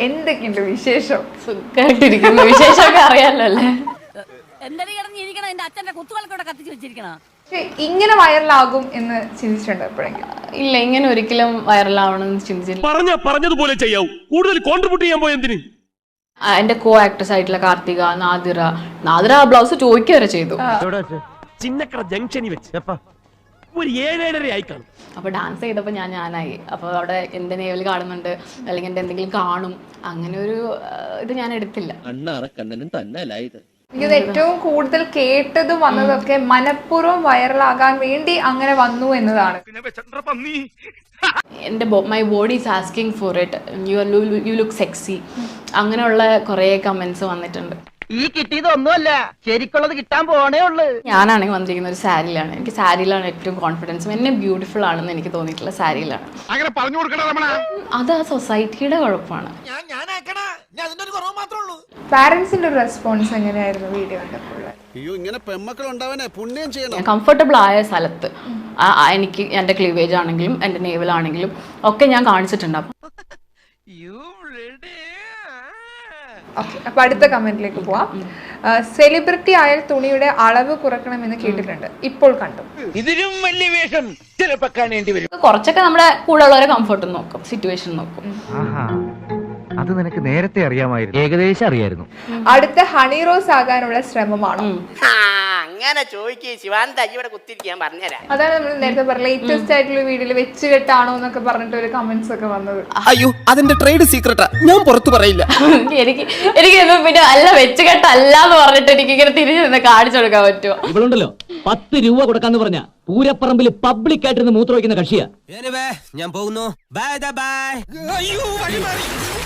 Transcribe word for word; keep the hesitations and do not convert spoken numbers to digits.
എന്തൊക്കെയുണ്ട് വിശേഷം? സുഖമായിട്ടിരിക്കുന്നു. വിശേഷമൊക്കെ അറിയാലോ അല്ലേ? ഇങ്ങനെ വൈറലാകും എന്ന് ചിന്തിച്ചിട്ടുണ്ടോ എപ്പോഴെങ്കിലും? ഇല്ല, ഇങ്ങനെ ഒരിക്കലും വൈറലാവണമെന്ന് ചിന്തിച്ചില്ല. പറഞ്ഞ പറഞ്ഞതുപോലെ ചെയ്യാവൂ. കൂടുതൽ കോൺട്രിബ്യൂട്ട് ചെയ്യാൻ പോയ എന്തിന്? എന്റെ കോ ആക്ടേഴ്സ് ആയിട്ടുള്ള കാർത്തിക, നാദിറ നാദിറ ആ ബ്ലൗസ് ചോദിക്കുക വരെ ചെയ്തു. ചിന്നക്കട ജംഗ്ഷനിൽ വെച്ച് ഒരു ഏഴേഴര ആയി കാണും. അപ്പൊ ഡാൻസ് ചെയ്തപ്പോ ഞാൻ ഞാനായി. അപ്പൊ അവിടെ എന്റെ നേവൽ കാണുന്നുണ്ട്, അല്ലെങ്കിൽ എന്റെ എന്തെങ്കിലും കാണും, അങ്ങനെ ഒരു ഇത് ഞാൻ എടുത്തില്ല. എനിക്കത് ഏറ്റവും കൂടുതൽ കേട്ടതും വന്നതൊക്കെ മനഃപൂർവ്വം വൈറലാകാൻ വേണ്ടി അങ്ങനെ വന്നു എന്നതാണ്. എൻ്റെ my body is asking for it, you you look sexy, അങ്ങനെയുള്ള കുറേ കമന്റ്സ് വന്നിട്ടുണ്ട്. ഈ കിട്ടിയതൊന്നുമല്ല, ശരിക്കുള്ളത് കിട്ടാൻ പോണേ ഉള്ളു. ഞാനാണെങ്കിൽ വന്നിരിക്കുന്ന ഒരു സാരിയിലാണ്. എനിക്ക് സാരിയിലാണ് ഏറ്റവും കോൺഫിഡൻസും എന്നെ ബ്യൂട്ടിഫുൾ ആണെന്ന് എനിക്ക് തോന്നിയിട്ടുള്ള സാരിയിലാണ്. അത് ആ സൊസൈറ്റിയുടെ കുഴപ്പമാണ്. പാരന്റ്സിന്റെ ഒരു റെസ്പോൺസ് എങ്ങനെയായിരുന്നു വീഡിയോ കണ്ടപ്പോൾ? കംഫർട്ടബിൾ ആയ സ്ഥലത്ത് എനിക്ക് എൻ്റെ ക്ലീവേജ് ആണെങ്കിലും എൻ്റെ നേവലാണെങ്കിലും ഒക്കെ ഞാൻ കാണിച്ചിട്ടുണ്ട്. അപ്പൊ അടുത്ത കമന്റിലേക്ക് പോവാം. സെലിബ്രിറ്റി ആയാൽ തുണിയുടെ അളവ് കുറക്കണമെന്ന് കേട്ടിട്ടുണ്ട്, ഇപ്പോൾ കണ്ടു. ഇതിലും വലിയ വേഷം ചിലപ്പോ കാണേണ്ടി വരും. കുറച്ചൊക്കെ നമ്മുടെ കൂടെ ഉള്ളവരെ കംഫർട്ട് നോക്കും, സിറ്റുവേഷൻ നോക്കും. അത് നിനക്ക് നേരത്തെ അറിയാമായിരുന്നു? ഏകദേശം അറിയായിരുന്നു. അടുത്ത ഹണി റോസ് ആകാനുള്ള ശ്രമമാണോ? അങ്ങനെ ചോദിക്കേ ശിവാന്ത ഇവിടെ കുത്തിരിക്കാൻ പറഞ്ഞുതരാം. അതാണ് നമ്മൾ നേരത്തെ പറഞ്ഞ ലേറ്റസ്റ്റ് ആയിട്ടുള്ള വീഡിയോയിൽ വെച്ച് കെട്ടാണോ എന്നൊക്കെ പറഞ്ഞിട്ട് ഒരു കമന്റ്സ് ഒക്കെ വന്നത്. അയ്യോ, അതിന്റെ ട്രേഡ് സീക്രട്ടാ, ഞാൻ പുറത്തു പറയില്ല. എനിക്ക് എനിക്ക് പിന്നെ അല്ല വെച്ച് കെട്ടല്ല എന്ന് പറഞ്ഞിട്ട് എനിക്ക് ഇങ്ങനെ തിരിഞ്ഞു നിന്ന് കാണിച്ചു കൊടുക്കാൻ പറ്റുമോ? ഇവളുണ്ടല്ലോ പത്ത് രൂപ കൊടുക്കാന്ന് പറഞ്ഞ പൂരപ്പറമ്പിൽ പബ്ലിക് ആയിട്ടിരുന്ന് മൂത്ര വയ്ക്കുന്ന കക്ഷിയാ. ഞാൻ പോകുന്നു. Bye bye. അയ്യോ, വഴി മാറി.